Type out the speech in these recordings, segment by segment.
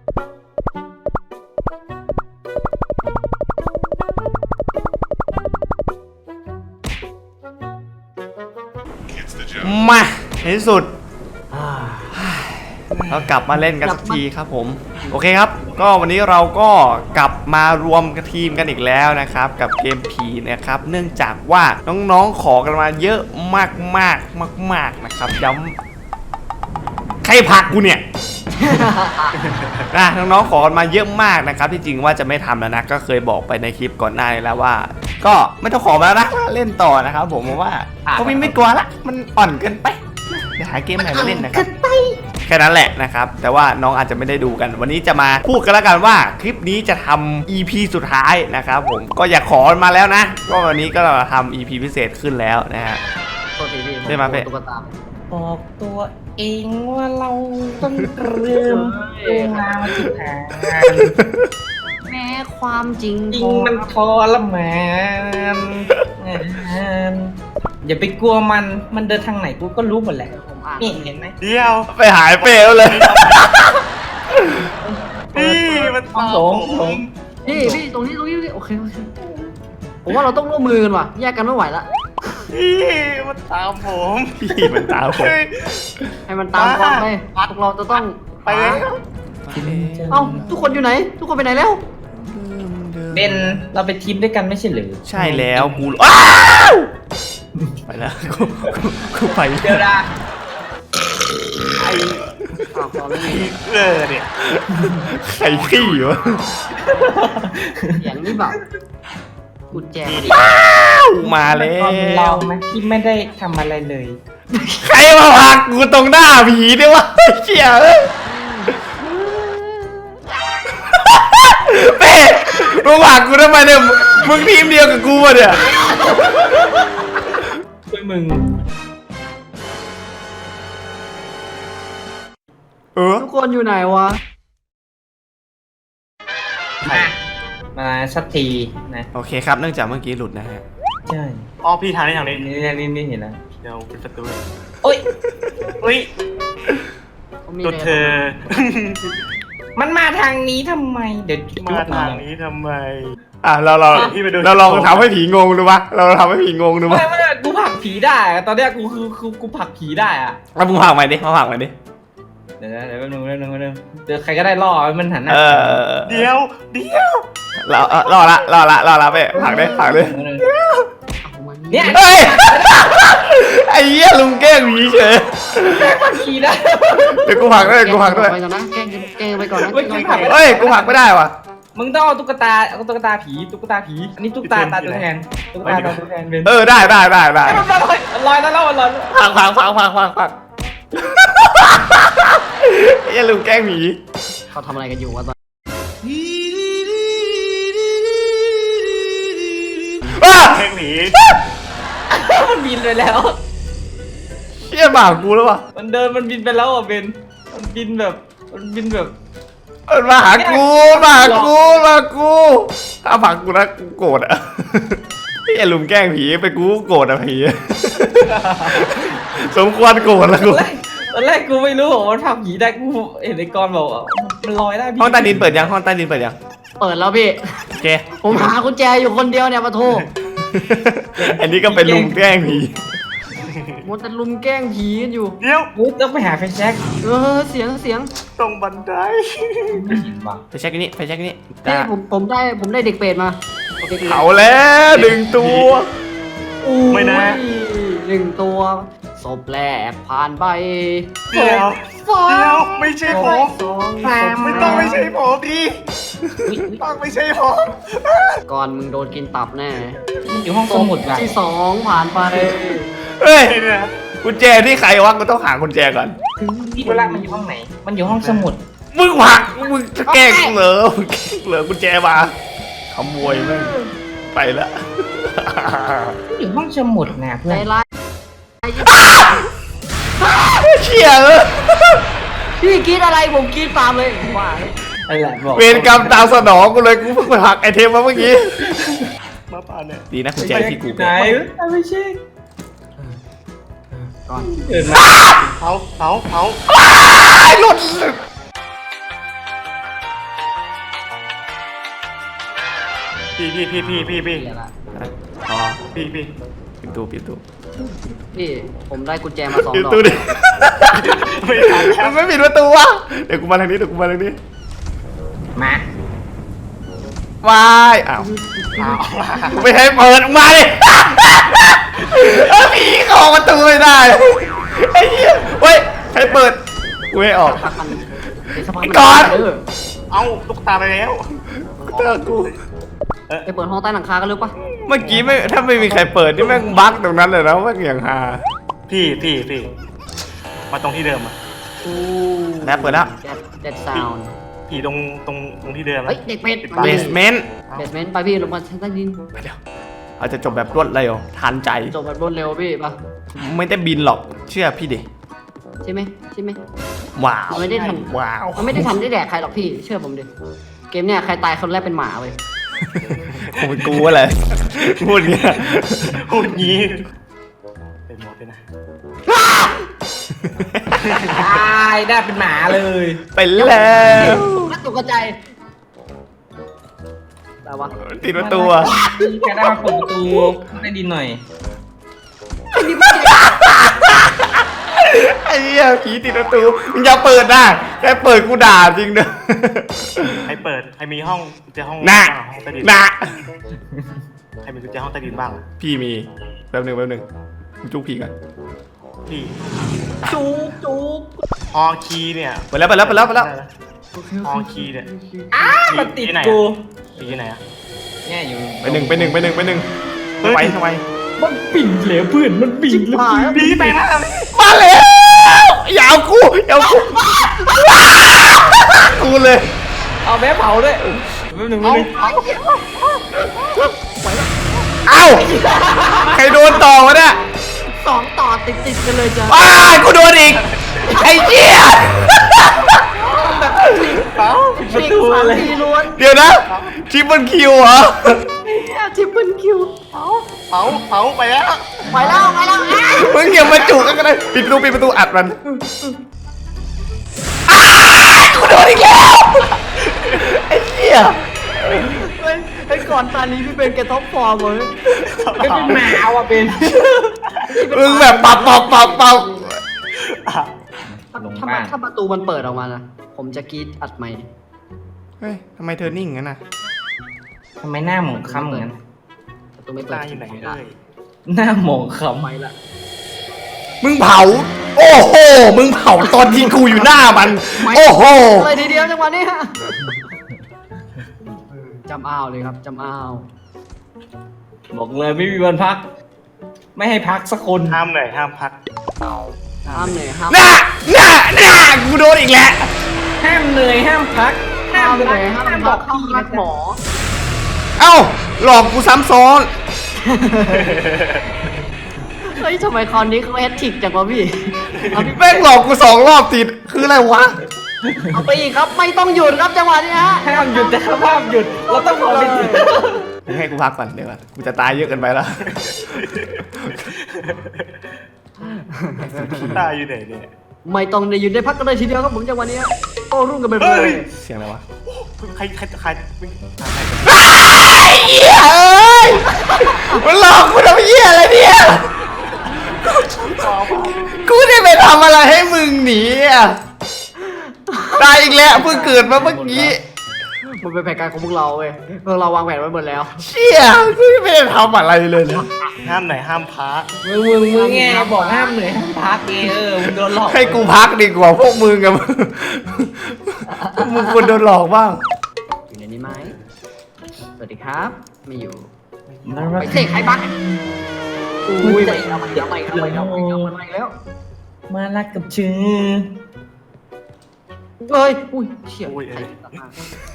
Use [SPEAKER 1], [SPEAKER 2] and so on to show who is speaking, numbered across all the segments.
[SPEAKER 1] มาในที่สุดเรากลับมาเล่นกันสักทีครับผมโอเคครับก็วันนี้เราก็กลับมารวมทีมกันอีกแล้วนะครับกับเกมผีนะครับเนื่องจากว่าน้องๆขอกันมาเยอะมากๆนะครับย้ำใครผลักกูเนี่ย น้องๆขอกันมาเยอะมากนะครับที่จริงว่าจะไม่ทำแล้วนะก็เคยบอกไปในคลิปก่อนหน้านี้แล้วว่าก็ไม่ต้องขอมาแล้วนะเล่นต่อนะครับผมว่าก็ไม่กลัวละมันอ่อนเกินไปเดี๋ยวหาเกมใหม่มาเล่นนะครับแค่นั้นแหละนะครับแต่ว่าน้องอาจจะไม่ได้ดูกันวันนี้จะมาพูดกันแล้วกันว่าคลิปนี้จะทำ EP สุดท้ายนะครับผมก็อยากขอมาแล้วนะก็วันนี้ก็เราทำ EP พิเศษขึ้นแล้วนะฮะได้มาเพ่
[SPEAKER 2] บอกตัวเองว่าเราต้องเริ่มงานมาจุดหา
[SPEAKER 3] แม้ความจริง
[SPEAKER 2] มันทรมานอย่าไปกลัวมันเดินทางไหนกูก็รู้หมดแหละนี่เห็นไหม
[SPEAKER 1] เดี๋ยวไปหายเปลวเลยนี่มัน
[SPEAKER 2] หลง
[SPEAKER 3] พี่ตรงนี้โอเคผมว่าเราต้องร่วมมือกันว่ะแยกกันไม่ไหวละ
[SPEAKER 1] พี่มันตามผมให้มันตาม
[SPEAKER 3] ความไปพวกเราจะต้อง
[SPEAKER 1] ไปแล้ว
[SPEAKER 3] เอ้าทุกคนอยู่ไหนทุกคนไปไหนแล้ว
[SPEAKER 2] เบนเราไปทีมด้วยกันไม่ใช่หรือ
[SPEAKER 1] ใช่แล้วกูอ้าวไปแล้วกูไป
[SPEAKER 2] เดี๋ยวนะ
[SPEAKER 1] ไอ้เนี่ยใครขี้วะ
[SPEAKER 3] อย่างนี้แบบกุญแจ
[SPEAKER 1] มาแล้ว
[SPEAKER 2] เราไหมที่ไม่ได้ทำอะไรเลย
[SPEAKER 1] ใครมาผลักกูตรงหน้าผีเนี่ยวะเชี่ยเป๊ะมึงผลักกูทำไมเนี่ยมึงทีมเดียวกับกูวะเนี่ย
[SPEAKER 2] ช่วยมึง
[SPEAKER 3] ทุกคนอยู่ไหนวะ
[SPEAKER 2] มาสักทีนะ
[SPEAKER 1] โอเคครับเนื่องจากเมื่อกี้หลุดนะฮะ
[SPEAKER 2] ใช่
[SPEAKER 1] อ๋อพี่ทางนี้นี่
[SPEAKER 2] เห็นแล้ว
[SPEAKER 1] เดี๋ยวเป็นประตู
[SPEAKER 2] โอ้ย
[SPEAKER 1] ตัวเธอ
[SPEAKER 2] มันมาทางนี้ทำไมเดี๋ยว
[SPEAKER 1] มาทางนี้ทำไมเราลองทำให้ผีงงดูปะเราทำให้ผีงงดูปะ
[SPEAKER 2] ไม่กูผลักผีได้ตอนนี้กูคือกูผลักผีได้อะ
[SPEAKER 1] แล้วมึงผลักใหม่ดิมาผลักใหม่ดิ
[SPEAKER 2] เดี๋ยวแป๊บนึงเดี๋ยวใครก็ได้ล่อมันหันหน้า
[SPEAKER 1] เดี๋ยวรอละไปผลักดิ
[SPEAKER 2] เนี่ย
[SPEAKER 1] ไอ้เหี้ยลุงแกล้งผีเฉย
[SPEAKER 2] ผลักผีได้
[SPEAKER 1] เดี๋ยวกูผลักด้วย
[SPEAKER 3] ไปก่อนนะแกล้งไปก่อนนะ
[SPEAKER 1] เฮ้ยกูผลักไม่ได้ว่ะ
[SPEAKER 2] มึงต้องเอาตุ๊กตาผีอันนี้ตุ๊กตาตัวแทนตัวแทนเป็น
[SPEAKER 1] ได้
[SPEAKER 2] ลอยแล้ว
[SPEAKER 1] พังอย่าลืมแกล้งหมี
[SPEAKER 3] เขาทำอะไรกันอยู่วะตอน
[SPEAKER 1] แกล้งหมี
[SPEAKER 2] มันบินไปแล้ว
[SPEAKER 1] เชี่ยบาปกูแล้ววะ
[SPEAKER 2] มันบินไปแล้วอ่ะเบนมันบินแบบ
[SPEAKER 1] มาหากูถ้าผักกูนะกูโกรธอ่ะอย่าลืมแกล้งผีไปกูโกรธอ่ะผีสมควรโกรธแล้วกู
[SPEAKER 2] ตอนแรกกูไม่รู้ว่ามันผลักผีได้กูเห็นไอ้กรบอกมันลอยได้
[SPEAKER 1] ห้องใต้ดินเปิดยัง
[SPEAKER 3] เปิดแล้วพี่
[SPEAKER 1] โอเค
[SPEAKER 3] ผมหากุญแจอยู่คนเดียวเนี่ยมาโทร
[SPEAKER 1] อันนี้ก็เป็นลุงแกล้งผี
[SPEAKER 3] มันจะลุมแกล้งผีกันอยู่
[SPEAKER 1] เดี๋ยว
[SPEAKER 2] ต้องไปหาไฟแช็ก
[SPEAKER 3] เสียง
[SPEAKER 1] ตรงบันได
[SPEAKER 2] ไม่เห็นว่ะ
[SPEAKER 1] ไฟแช็กนี่
[SPEAKER 3] ผมได้เด็กเป็ดมา
[SPEAKER 1] เอาแล้ว1 ตัวไม่นะ
[SPEAKER 3] 1 ตัวศพแรกผ่านไป
[SPEAKER 1] เดี๋ยวไม่ใช่ผมไม่ต้องไม่ใช่ผมดิต้องไม่ใช่ผม
[SPEAKER 3] ก่อนมึงโดนกินตับแน่
[SPEAKER 2] อยู่ห้องสมุด
[SPEAKER 3] ที่2ผ่านไป
[SPEAKER 1] เฮ้ยกุญแจที่ใครวะกูต้องหากุญแจก่อน
[SPEAKER 2] พี่เวลามันอยู่ห้องไหนมันอยู่ห้องสมุด
[SPEAKER 1] มึงหักมึงจะแกล้งเหรอกุญแจมาขโมยมึงไปละ
[SPEAKER 2] อยู่ห้องสมุดนะเพื่อน
[SPEAKER 1] เชี่ย
[SPEAKER 3] พี่กินอะไรผมกินตามเลยว่า
[SPEAKER 1] เวรกรรมตามสนองกูเลยกูเพิ่งไปหักไอเทมมาเมื่อกี้มาป่านเนี่ยดีนะกุญแจที่กู
[SPEAKER 2] ไหนไม่ใช่
[SPEAKER 3] ก่อน
[SPEAKER 2] เดินมา
[SPEAKER 1] เผาหลุด
[SPEAKER 4] พี่
[SPEAKER 3] เดี๋ยวละ
[SPEAKER 1] อ๋อ
[SPEAKER 4] พี่
[SPEAKER 1] ปิดตู้
[SPEAKER 3] พี่ผมได้กุญแจมา2
[SPEAKER 1] ปิด
[SPEAKER 3] ดอก
[SPEAKER 1] ตู้ดิ
[SPEAKER 4] ไม่ทันแล้ว
[SPEAKER 1] มันไม่ปิดประตูวะเดี๋ยวกูมาทางนี้
[SPEAKER 2] มา
[SPEAKER 1] วายอ้าวกูไม่ให้เปิดมาดิผีเข้าประตูไม่ได้ไอ้เหี้ยเฮ้ยใครเปิดกูไม่ออก
[SPEAKER 3] พักมันเดี๋ยวสักพัก
[SPEAKER 1] ไอ้
[SPEAKER 3] มัน
[SPEAKER 1] ก่อน
[SPEAKER 4] เอาลูกตาไปแล้ว
[SPEAKER 1] เจอกู
[SPEAKER 3] ไปเปิดห้องใต้หลังคากันเลยปะ
[SPEAKER 1] เมื่อกี้ไม่ถ้าไม่มีใครเปิดนี่แม่งบั๊กตรงนั้นเลยนะแม่งอย่างฮา
[SPEAKER 4] พี่มาตรงที่เดิมอ่ะ
[SPEAKER 1] แล้วเปิดแล้ว
[SPEAKER 3] เด็ดซาวน์
[SPEAKER 4] ผีตรงที่เดิม
[SPEAKER 3] เฮ้ยเด็กเป็ด
[SPEAKER 1] เบสเมนต์
[SPEAKER 3] เบสเมนต์ไปพี่ลงมาชั้นใต้ดิน
[SPEAKER 1] ไปเดี๋ยวอาจจะจบแบบรวดเร็วทันใจ
[SPEAKER 3] จบแบบรวดเร็วพี่ปะ
[SPEAKER 1] ไม่ได้บินหรอกเชื่อพี่ดิ
[SPEAKER 3] ใช่ไหม
[SPEAKER 1] ว้าว
[SPEAKER 3] มันไม่ได้ทัน
[SPEAKER 1] ว้าว
[SPEAKER 3] มันไม่ได้ทันได้แดกใครหรอกพี่เชื่อผมดิเกมเนี่ยใครตายคนแรกเป็นหมาเว้ย
[SPEAKER 1] คงเป็นกูอะไรพูดเงี้ย
[SPEAKER 4] พูดงี้เป็นหมดเลยนะ
[SPEAKER 2] ตายได้เป็นหมาเลย
[SPEAKER 1] ไปแล้ว
[SPEAKER 3] น่าตกใจแต่ว่า
[SPEAKER 1] ติดประตูอะ
[SPEAKER 2] แกได้มาเปิดประตูได้ดินหน่อย
[SPEAKER 1] ไอ้เหี้ยผีติดประตูมึงอย่าเปิดนะแค่เปิดกูด่าจริงเด้อ
[SPEAKER 4] ใครเปิดใครมีห้องกุญแจห้อง
[SPEAKER 1] น่ะ
[SPEAKER 4] ห้องใต้ดิน
[SPEAKER 1] น่ะ
[SPEAKER 4] ใครมีกุญแจห้องใต้ดินบ้าง
[SPEAKER 1] พี่มีแป๊บหนึ่งกูจุกผีกัน
[SPEAKER 4] พี่
[SPEAKER 3] จุก
[SPEAKER 4] ฮอคีย์เนี่ย
[SPEAKER 1] ไปแล้ว
[SPEAKER 4] ฮอคีย์เนี่ย
[SPEAKER 2] มันติด
[SPEAKER 4] ที่ไหน
[SPEAKER 2] กู
[SPEAKER 4] ผีที่ไหนอะ
[SPEAKER 2] เนี่ยอยู่
[SPEAKER 1] ไปหนึ่งทำไม
[SPEAKER 2] มันปิ่นเหลวเพื่อนมันปิ่น
[SPEAKER 3] หาย
[SPEAKER 4] ผีไปแล้ว
[SPEAKER 1] มาแล้วอย่าเอากูกูเลย
[SPEAKER 2] เอาแม่เผาด้วยแป๊บหนึง
[SPEAKER 1] เอ้าใครโดนต่อวะเนี่ย
[SPEAKER 3] 2 ต่อติดกันเลยจ้ะ
[SPEAKER 1] ว้ายกูโดนอีกไอ้เหี้ย
[SPEAKER 3] ชิงสามทีล้วน
[SPEAKER 1] เดี๋ยวนะชิปเปิลคิวเหรอ
[SPEAKER 3] ทิปเปิลคิว
[SPEAKER 4] เผาไปแล้ว
[SPEAKER 3] ไปแล้ว
[SPEAKER 1] มึงอย่ามาจุกกันก็ได้ปิดประตูอัดมันกูโดนอีกแล้วไอ้เหี้ย
[SPEAKER 3] ไอ้ก่อนตอนนี้พี่เป็นแกท็อปฟอร์มเลย
[SPEAKER 2] เป็นหมาว่ะเป็น
[SPEAKER 1] มึงแบบปับ
[SPEAKER 3] ถ้าประตูมันเปิดออกมานะผมจะกรีดอัดไมค์
[SPEAKER 1] เฮ้ยทำไมเธอนิ่งงั้นน่ะ
[SPEAKER 2] ทำไมหน้าหมองคล้ำเหมือนกัน
[SPEAKER 3] ประตูไม่เปิด
[SPEAKER 4] ตาอยู่ไหนเอ้ย
[SPEAKER 2] หน้าหมองคล้
[SPEAKER 3] ไมค์ละ
[SPEAKER 1] มึงเผาโอ้โหมึงเผาตอนที่กูอยู่หน้ามันโอ้โห
[SPEAKER 3] เลยทีเดียวจังหวะนี้ฮะจำอ้าวเลยครับจำอ้าว
[SPEAKER 2] ำบอกเลยไม่มีวันพัก ไม่ให้พักสักคน
[SPEAKER 4] ห้ามเหนื่อยห้ามพัก
[SPEAKER 3] ห้ามเลยห้าม
[SPEAKER 1] หน้ากูโดนอีกแล้ว
[SPEAKER 2] ห้ามเหนื่อยห้ามพัก
[SPEAKER 3] ห้ามเลยห้ามบอกห้ามรักหมอ
[SPEAKER 1] เอ้าหลอกกูซ้ำซ้อน
[SPEAKER 3] เฮ้ยทำไมคราวนี้เขาแฮตทริกจังวะพี่เอาพี่
[SPEAKER 1] แม่งหลอกกู2 รอบติดคืออะไรวะ
[SPEAKER 3] เอาไปอีกครับไม่ต้องหยุดครับจังหวะนี้ฮะ
[SPEAKER 2] ห้ามหยุดแต่ห้ามหยุดเราต้องรอไปถึง
[SPEAKER 1] มึงให้กูพักก่อนเดี๋ยวก่อนกูจะตายเยอะเกินไปแล้ว
[SPEAKER 4] ตาอยู่ไหนเนี่ย
[SPEAKER 3] ไม่ต้องได้หยุดได้พักกันเลยทีเดียวครับผมจังหวะนี้ฮะโต้รุ่งกันไปเล
[SPEAKER 4] เฮ้
[SPEAKER 3] ย
[SPEAKER 4] ย
[SPEAKER 1] เสียงอะไรวะ
[SPEAKER 4] ใคร
[SPEAKER 1] ไอ้เหี้ยเอ้ยมันหลอกกูทำเหี้ยอะไรเนี่ยกูได้ไปทำอะไรให้มึงหนีอ่ะตายอีกแล้วเพิ่งเกิดมาเมื่อกี้
[SPEAKER 3] มันเป็นแผนการของพวกเราเว้ยพวกเราวางแผนไว้หมดแล้ว
[SPEAKER 1] เชี่ยกูไม่ได้ทำอะไรเลยเนี่ย
[SPEAKER 4] ห้ามไหนห้ามพัก
[SPEAKER 2] มึงไงบอกห้ามเหนื่อยห้ามพักไงมึงโดนหลอก
[SPEAKER 1] ให้กูพักดีกว่าพวกมึงกับมึงควรโดนหลอกบ้าง
[SPEAKER 3] อยู่ในนี้ไหมสวัสดีครับ ไม่อยู่
[SPEAKER 2] มัน
[SPEAKER 3] ไปเสกใครบักอุ้ยไปแล้วมันไปแล้ว
[SPEAKER 2] มารักกับชื่อ
[SPEAKER 3] เอ้ยอุ้ยเชี่ย
[SPEAKER 4] อุ้ย
[SPEAKER 3] ใครตัดมา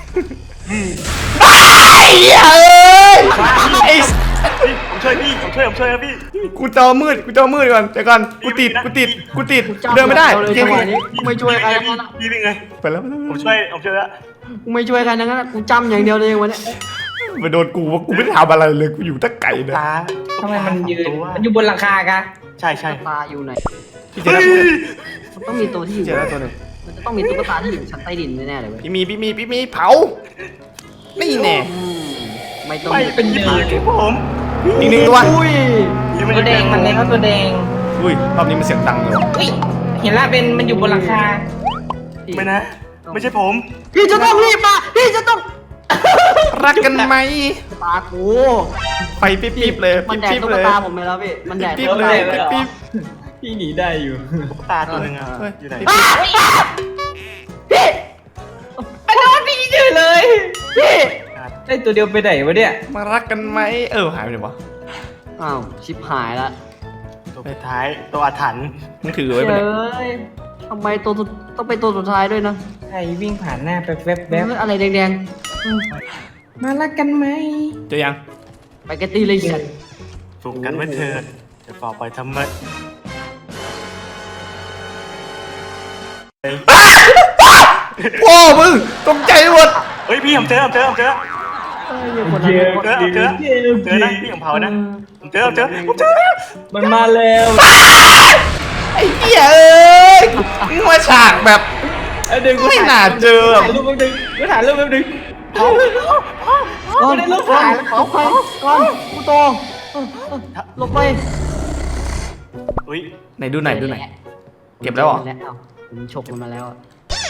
[SPEAKER 1] ไอ้เหี้ยเอ้ยไอ้
[SPEAKER 4] ผมช่วยนะพี่
[SPEAKER 1] กูจอมืดก่อนเดี๋ยวก่อนกูติดเดินไม่ได้
[SPEAKER 3] เลย
[SPEAKER 1] เก
[SPEAKER 3] จั
[SPEAKER 1] ม
[SPEAKER 3] งหวะนี้กูไม่ช่วยใครทั้งนั้น
[SPEAKER 4] พี่เป็นไง
[SPEAKER 1] ไปแล้ว
[SPEAKER 4] ผมช่วยแล้ว
[SPEAKER 3] กูไม่ช่วยใครทั้งนั้นกูจำอย่างเดียวเลยวันนี้
[SPEAKER 1] ไปโดนกูว่ากูไม่ได้ทำอะไรเลยกูอยู่ตะไก่เนี่ย
[SPEAKER 4] ตา
[SPEAKER 2] ทำไมมันยืนมันอยู่บนหลังคากะ
[SPEAKER 4] ใช่
[SPEAKER 3] ตาอยู่ไหน
[SPEAKER 1] พี่เจอแล้ว
[SPEAKER 3] มันต้องมีตัวที่อยู่
[SPEAKER 1] เจอแล้วตัวหนึ่ง
[SPEAKER 3] มันจะต้องมีตุ๊กตาที่อยู่ชั้นใต้ดินแน่ๆเลยเว้ย
[SPEAKER 1] พี่มีเผานี่แน่
[SPEAKER 3] ไม่ต้อง
[SPEAKER 4] ไม่เป็น
[SPEAKER 3] ผี
[SPEAKER 4] ผีที่ผม
[SPEAKER 1] อีกหนึ่งตัว
[SPEAKER 3] อุ้ย
[SPEAKER 2] ตัวแดงมันเลยครับตัวแดง
[SPEAKER 1] อุ้ยรอบนี้มันเสียงดังเลยว่ะ
[SPEAKER 2] อุ้ยเห็นละเป็นมันอยู่บนหลังคา
[SPEAKER 4] ไม่นะ ไม่ใช่ผม
[SPEAKER 3] พี่จะต้องรีบมาพี่จะต้อง
[SPEAKER 1] รักกันไหม
[SPEAKER 3] ตากู
[SPEAKER 1] ไฟปิ๊บๆเลย
[SPEAKER 3] มันแดด
[SPEAKER 1] ปิ๊บ
[SPEAKER 3] ตุ๊
[SPEAKER 1] ๆ
[SPEAKER 3] ก
[SPEAKER 1] เลย
[SPEAKER 3] ตาผมไปแล้วพี่มันแดด
[SPEAKER 1] ปิ๊บ
[SPEAKER 3] ตุ๊ก
[SPEAKER 1] ๆเล
[SPEAKER 3] ตาย ไปแล้ว
[SPEAKER 1] ปิ๊บ
[SPEAKER 2] พี่หนีได้อยู่
[SPEAKER 4] ตาตัวหนึงอะ
[SPEAKER 1] เฮ้ย
[SPEAKER 4] อยู่ไหน
[SPEAKER 3] พี่
[SPEAKER 2] ไอ้โดนพี่เฉยเลย
[SPEAKER 3] พี่
[SPEAKER 2] ไอ้ตัวเดียวไปไหนวะเนี่ย
[SPEAKER 1] ๆมารักกันไหมหายไปไหนวะ
[SPEAKER 3] อ้าวชิบหายละ
[SPEAKER 4] ตัวสุดท้ายตัวอาถรรพ์
[SPEAKER 1] มึงถือไว้
[SPEAKER 3] เฮ้
[SPEAKER 1] ปะเนี่ย
[SPEAKER 3] ยทำไมตัวสุดต้องเป็นตัวสุดท้ายด้วยนะ
[SPEAKER 2] ใครวิ่งผ่านหน้าไปแวบ
[SPEAKER 3] เฮ้ยอะไรแดงๆอืม
[SPEAKER 2] ๆมารักกันไหม
[SPEAKER 1] เจอยัง
[SPEAKER 3] ไปกันตีเลยฉัน
[SPEAKER 4] ถูกกันไว้เถิดจะฝ่าไปทำไม
[SPEAKER 1] พ่อมึงตกใจหมด
[SPEAKER 4] เฮ้ยพี่ผมเจอ
[SPEAKER 3] เฮ้ยคนนั้นเป็นคน
[SPEAKER 4] เจอนะพี่ผมเผานะผมเจอผมเจอ
[SPEAKER 2] มันมาแล้ว
[SPEAKER 1] ไอ้เหี้ยเอ้ยมึงมาฉากแบบ
[SPEAKER 2] เดี๋ยวกู
[SPEAKER 1] ไม่น่าเจอ
[SPEAKER 2] ถ่ายรูปแป๊บนึงกูถ่ายรูปแป๊บนึง
[SPEAKER 3] ก้อน
[SPEAKER 2] ไม่ได้รูปถ่ายแล้ว
[SPEAKER 3] เอาไปก้อนกูโตลงไป
[SPEAKER 4] อุ้ย
[SPEAKER 1] ไหนดูไหนอยดูไหนอยเก็บแล้วเหรอ
[SPEAKER 3] ผมฉกมันมาแล้วอะ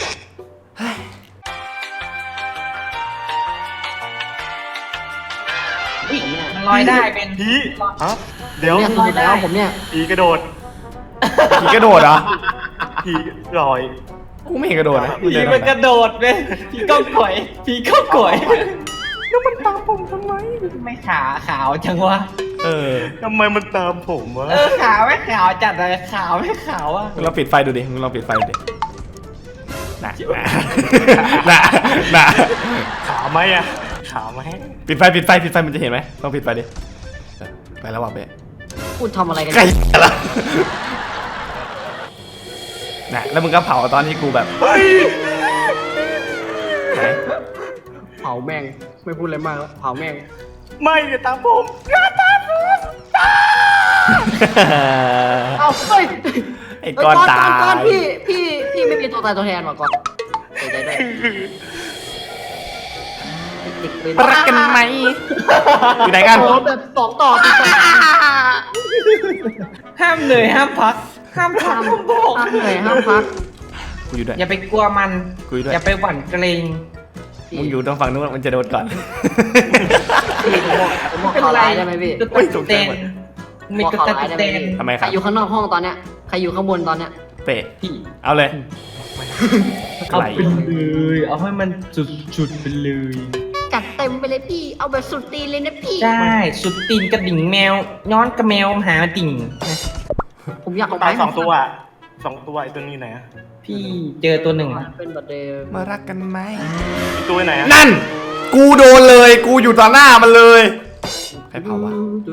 [SPEAKER 2] อุ้ยมันลอยได้เป็น
[SPEAKER 4] ผีฮะเดี๋ยว
[SPEAKER 3] เนี่ยสุดแล้วผมเนี่ย
[SPEAKER 4] ผีกระโดด
[SPEAKER 1] ผีกระโดดเหรอ
[SPEAKER 4] ผีลอย
[SPEAKER 1] กูไม่เห็นกระโดดนะ
[SPEAKER 2] ผีมันกระโดดเลยผีก้องก่อยผีก้องก่อย
[SPEAKER 4] แล้วมันตามผมทำไม
[SPEAKER 2] ไม่ขาวจังวะ
[SPEAKER 4] ทำไมมันตามผมวะ
[SPEAKER 2] ขาวไม่ขาวจัดเลยขาวไม่ขาวอ่ะ
[SPEAKER 1] มึงลองปิดไฟดูดิมึงลองปิดไฟดูดิน่ะน่ะ
[SPEAKER 4] ขาไหมอะขาไหม
[SPEAKER 1] ปิดไฟมันจะเห็นไหมลองปิดไฟดิไปแล้วว่ะเบ๊ะ
[SPEAKER 3] พูดทำอะไรกัน
[SPEAKER 1] ใกล้แล้วน่ะแล้วมึงก็เผาตอนที่กูแบบ
[SPEAKER 4] เฮ้ย
[SPEAKER 1] ไหน
[SPEAKER 3] เผาแม่งไม่พูดอะไรมากแล้วเผาแม่ง
[SPEAKER 4] ไม่อย่าตามผมอย่าตามผม
[SPEAKER 3] เอาเฮ้ย
[SPEAKER 1] ไอ้ก้อนตาย
[SPEAKER 3] ก้อนพี่ไม่มีตัวตายตัวแทนว่ะก้อนเสียใจด้วยติดเลย
[SPEAKER 1] รักกันไหมอยู่ไหนกัน
[SPEAKER 3] โอ้แบบสองต่อติดต่อ
[SPEAKER 2] ห้ามเหนื่อยห้ามพักห้ามพัก
[SPEAKER 3] ห้ามเหนื่อยห้ามพัก
[SPEAKER 1] กูอยู่ด้วย
[SPEAKER 2] อย่าไปกลัวมัน
[SPEAKER 1] กูอยู่ด้วย
[SPEAKER 2] อย่าไปหวั่นเกรง
[SPEAKER 1] มึงอยู่ตรงฝั่งนู้นมันจะโดนก่อน
[SPEAKER 3] พี่ผมบอกข่าวร้ายได้ไหมพี่
[SPEAKER 2] ตุ๊
[SPEAKER 1] เฮ้ย
[SPEAKER 2] ก
[SPEAKER 1] ตกใจ
[SPEAKER 2] เตน
[SPEAKER 1] หมด
[SPEAKER 2] มี
[SPEAKER 3] บอก
[SPEAKER 2] ตุ๊ก
[SPEAKER 3] ข่าวร้าย
[SPEAKER 2] ตา
[SPEAKER 3] ได้ไหม
[SPEAKER 2] เตน
[SPEAKER 3] พี่
[SPEAKER 1] ทำไมค
[SPEAKER 3] ใคร
[SPEAKER 1] รับ
[SPEAKER 3] อยู่ข้างนอกห้องตอนเนี้ยใครอยู่ข้างบนตอนเนี้ย
[SPEAKER 1] เปะ
[SPEAKER 2] พี่
[SPEAKER 1] เอาเลย
[SPEAKER 2] เอาไปเลยเอาให้มันสุดๆไปเลย
[SPEAKER 3] จัดเต็มไปเลยพี่เอาแบบสุดตีนเลยนะพี่
[SPEAKER 2] ใช่สุดตีนกระดิ่งแมว ย้อนกระแมวหาติ่งนะ
[SPEAKER 3] ผมอยากเอา
[SPEAKER 4] ตาย
[SPEAKER 3] ไป
[SPEAKER 4] สองตัวสองตัวไอ้ตัวนี้ไหนอะ
[SPEAKER 2] พี่เจอตัวหนึ่ง
[SPEAKER 3] เป็นบัตรเดย์
[SPEAKER 1] มารักกันไหม
[SPEAKER 4] อีกตัวไหนอะ
[SPEAKER 1] นั่น กูโดนเลยกูอยู่ต่อหน้ามันเลยใครเผาวะ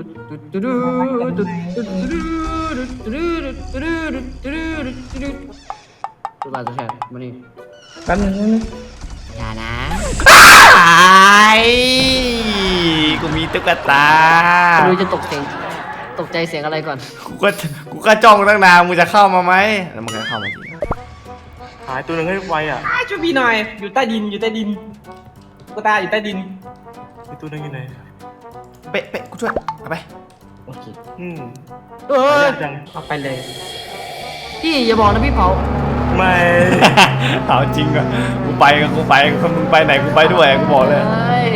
[SPEAKER 3] ตัวลายตัวแทนมานี่
[SPEAKER 2] แป๊บนึง
[SPEAKER 3] อย่านะ
[SPEAKER 1] ไอ้กูมีตุ๊กตา
[SPEAKER 3] ไม่รู้จะตกใจเสียงอะไรก่อน
[SPEAKER 1] กูก็จ้องตั้งนานมึงจะเข้ามาไหมแล้วมึงก็เข้ามาจริง
[SPEAKER 4] หายตัวหนึ่งให้ไวอะ
[SPEAKER 2] ช่วยพี่หน่อย อยู่ใต้ดินอยู่ใต้ดินตุ๊กตาอยู่ใต้ดิน
[SPEAKER 4] อีกตัวหนึงอยู่ไหน
[SPEAKER 1] เป๊ะกูช่วยเอาไป
[SPEAKER 2] โอเค
[SPEAKER 4] อืม
[SPEAKER 3] เอ้ย
[SPEAKER 4] ยากจัง
[SPEAKER 2] เอาไปเลย
[SPEAKER 3] พี่อย่าบอกนะพี่เผา
[SPEAKER 4] ไม่
[SPEAKER 1] เอาจริงอ่ะกูไปมึงไปไหนกูไปด้วยกูบอกเลย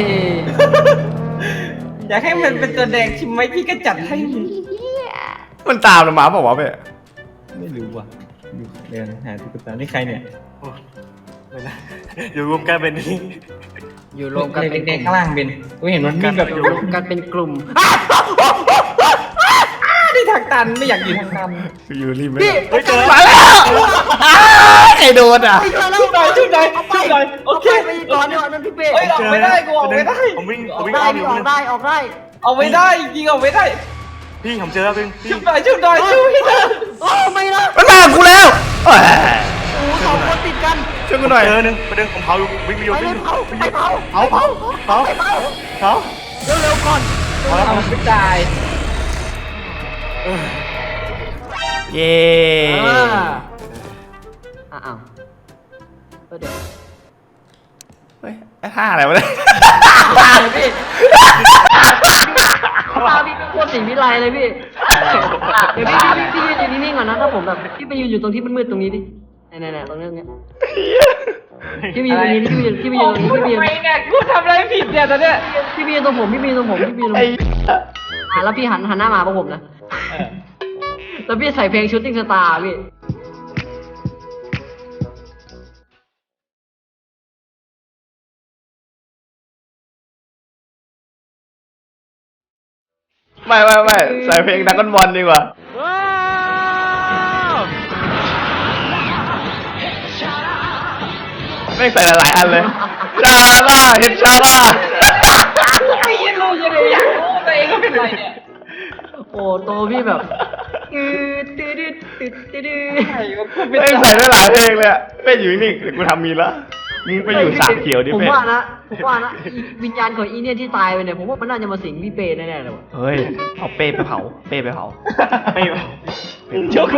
[SPEAKER 2] อยากให้มันเป็นตัวแดงใช่ไหมพี่ก็จัดให้
[SPEAKER 1] มันตามเรามาเปล่าวะเป๊ะ
[SPEAKER 2] ไม่รู้ว่ะเดินหาตุ๊กตานี่ใครเนี่ย
[SPEAKER 4] โอ้ไม่นะอยู่รวมกันเป็นนี้
[SPEAKER 3] อยู่รวมกันเป็น
[SPEAKER 2] แดงๆข้างล่างเป็นกูเห็นมันวิ่งแบบ
[SPEAKER 3] อยู่รวมกันเป็นกลุ่ม
[SPEAKER 2] ที่ทางตันไม่อยากอยู่ทางตัน
[SPEAKER 1] กูอยู่ริม
[SPEAKER 3] พี่
[SPEAKER 4] เฮ้ยเจอ
[SPEAKER 1] มาแล้วใครโดนอ่ะ
[SPEAKER 3] ไปแล้ว
[SPEAKER 2] ชุบหน่อยชุบหน่อย
[SPEAKER 3] เอาไป
[SPEAKER 2] ชุบหน่อยโอเค
[SPEAKER 3] ไปก่อนเดี๋ยวนั่นพี่เป้
[SPEAKER 2] เฮ้ยออกไม่ได้กูออกไม่ได้
[SPEAKER 4] ผมวิ่ง
[SPEAKER 3] ออก
[SPEAKER 4] อ้
[SPEAKER 3] ได้
[SPEAKER 4] อมอ
[SPEAKER 3] พี่
[SPEAKER 4] ยู่
[SPEAKER 3] ออกได้ออกได้
[SPEAKER 2] เอาไม่ได้ยิงเอาไม่ได้
[SPEAKER 4] พี่ผมเจอแล้วพี่
[SPEAKER 2] ชุบหน่อยชุบหน่อยชุบให้หน่อย
[SPEAKER 3] โอ้ไม่นะ
[SPEAKER 1] มันมากูแล้วแหม
[SPEAKER 3] โอ้สองคนติดกัน
[SPEAKER 1] ช่วยกูหน่อย
[SPEAKER 4] เจอหนึ่งประเด็นผมเผาอยู่วิ่งไปอยู่
[SPEAKER 3] ไปเล
[SPEAKER 4] วิ่
[SPEAKER 3] ย
[SPEAKER 4] ง
[SPEAKER 3] เผาไปเผา
[SPEAKER 4] เผาเผา
[SPEAKER 3] เร็วๆก่อน
[SPEAKER 2] เอาไม่ตาย
[SPEAKER 1] เย้
[SPEAKER 3] อ้าวเดี๋ยว
[SPEAKER 1] เฮ้ยไอ้ท่าอะไรวะเนี่ย
[SPEAKER 3] ตาเลยพี่ตาพี่โคตรสีวิไลเลยพี่เดี๋ยวพี่ยืนอยู่นิ่งๆก่อนนะถ้าผมแบบพี่ไปยืนอยู่ตรงที่มืดๆตรงนี้ดิไหนๆตรงนี้พี่ไปยืนตรงนี้พี่ไปยืนตรงนี้พี่ไปยืน
[SPEAKER 2] ทำไมเนี่ยกูทำอะไรผิดเนี่ยตอนเนี้ย
[SPEAKER 3] พี่ไปยืนตรงผมแล้วพี่หันหน้ามาพวกผมนะแล้วพี่ใส่เพลงชูตติ้งสตาร์พี่
[SPEAKER 1] ไม่ใส่เพลงดักกันบอลดีกว่าไม่ใส่หลายๆอันเลยชาล่าเห็นชาล่า
[SPEAKER 2] ไม่รู้ยังไงอยากรู้ตัวเองก็เป็นไรเนี่ย
[SPEAKER 3] โอ้โตพี่แบบตืด
[SPEAKER 2] ไอ้ก็กูเป็น
[SPEAKER 1] ไม่ใส่ได้หลายเพลงเลยอะเป้อยู่นิ่งๆเดี๋ยวกูทำมีละมึงไปอยู่สามเขียวดิ
[SPEAKER 3] ผม
[SPEAKER 1] เป้
[SPEAKER 3] ว่านะวิญญาณของอีเนี่ยที่ตายไปเนี่ยผมว่ามันน่าจะมาสิงพี่เป้แน่ๆเลยว่ะ
[SPEAKER 1] เฮ้ยเอาเป้ไปเผาเป้ไปเผา
[SPEAKER 4] ไม่
[SPEAKER 2] เชื่อกู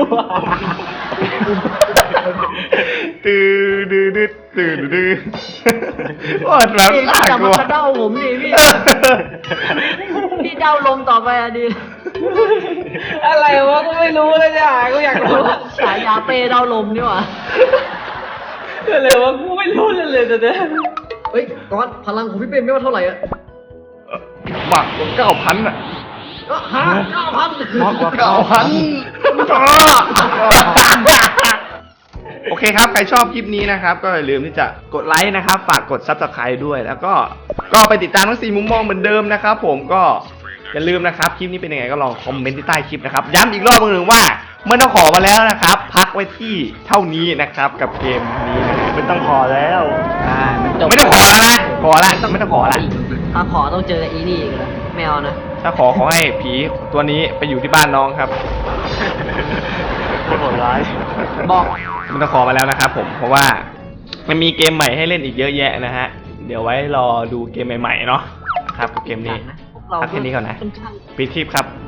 [SPEAKER 1] ตื่นดื้อว่าแบบ
[SPEAKER 3] พี่
[SPEAKER 1] น่า
[SPEAKER 3] จับ
[SPEAKER 1] กลั
[SPEAKER 3] มาว กระเด้าผมดิพี่เด้าลมต่อไปอะดิ
[SPEAKER 2] อะไรวะกูไม่รู้เลยเนี่ยกูอยากรู้
[SPEAKER 3] ฉายาเป้เด้าลมนี่หว่า
[SPEAKER 2] อะไรวะกูไม่รู้เลยตอนเนี้ย
[SPEAKER 3] เฮ้ยก้อนพลังของพี่เป้ไม่ว่าเท่าไหร่อะ
[SPEAKER 1] มากกว่า9,000อ่ะ
[SPEAKER 3] ก็ฮะ9,000
[SPEAKER 1] มากกว่า9,000โอเคครับใครชอบคลิปนี้นะครับก็อย่าลืมที่จะกดไลค์นะครับฝากกด Subscribe ด้วยแล้วก็ไปติดตามทั้ง4มุมมองเหมือนเดิมนะครับผมก็อย่าลืมนะครับคลิปนี้เป็นยังไงก็ลองคอมเมนต์ที่ใต้คลิปนะครับย้ำอีกรอบนึงว่าเมื่อต้องขอมาแล้วนะครับพักไว้ที่เท่านี้นะครับกับเกมนี้นะครับ
[SPEAKER 4] ไม่ต้องขอแล้ว
[SPEAKER 1] ไม่ต้องขอแล้วนะขอละไม่ต้องขอละ
[SPEAKER 3] ถ้าขอต้องเจออีนี่อีกแล้วแมวนะ
[SPEAKER 1] ถ้าขอให้ผีตัวนี้ไปอยู่ที่บ้านน้องครับ
[SPEAKER 4] โหดร้าย
[SPEAKER 3] บอก
[SPEAKER 1] ไม่ต้องขอมาแล้วนะครับผมเพราะว่ามันมีเกมใหม่ให้เล่นอีกเยอะแยะนะฮะเดี๋ยวไว้รอดูเกมใหม่ๆเนาะครับกับเกมนี้
[SPEAKER 3] พวกเรา
[SPEAKER 1] พักแค่นี้ก่อนนะ
[SPEAKER 3] ค่อนข้าง
[SPEAKER 1] ปิดคลิปครับ